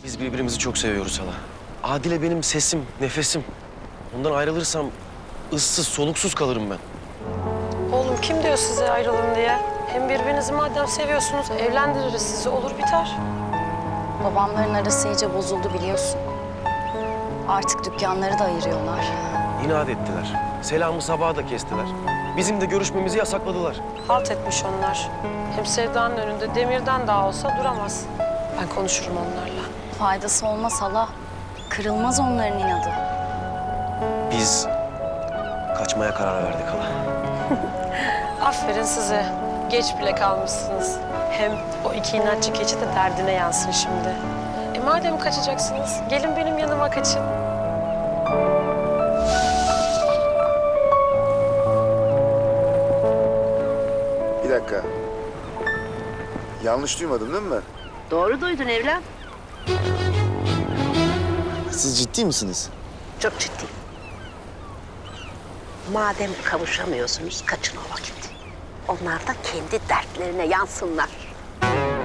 Biz birbirimizi çok seviyoruz hala. Adile benim sesim, nefesim. Ondan ayrılırsam ıssız, soluksuz kalırım ben. Oğlum kim diyor size ayrılın diye? Hem birbirinizi madem seviyorsunuz evlendiririz sizi, olur biter. Babamların arası iyice bozuldu biliyorsun. Artık dükkanları da ayırıyorlar. İnat ettiler. Selamı sabaha da kestiler. Bizim de görüşmemizi yasakladılar. Halt etmiş onlar. Hem Sevda'nın önünde demirden daha olsa duramaz. Ben konuşurum onlarla. Faydası olmaz hala. Kırılmaz onların inadı. Biz kaçmaya karar verdik hala. Aferin size. Geç bile kalmışsınız. Hem o iki inatçı keçi de derdine yansın şimdi. Madem kaçacaksınız, gelin benim yanıma kaçın. Bir dakika. Yanlış duymadım değil mi ben? Doğru duydun evlat. Siz ciddi misiniz? Çok ciddi. Madem kavuşamıyorsunuz, kaçın o vakit. Onlar da kendi dertlerine yansınlar.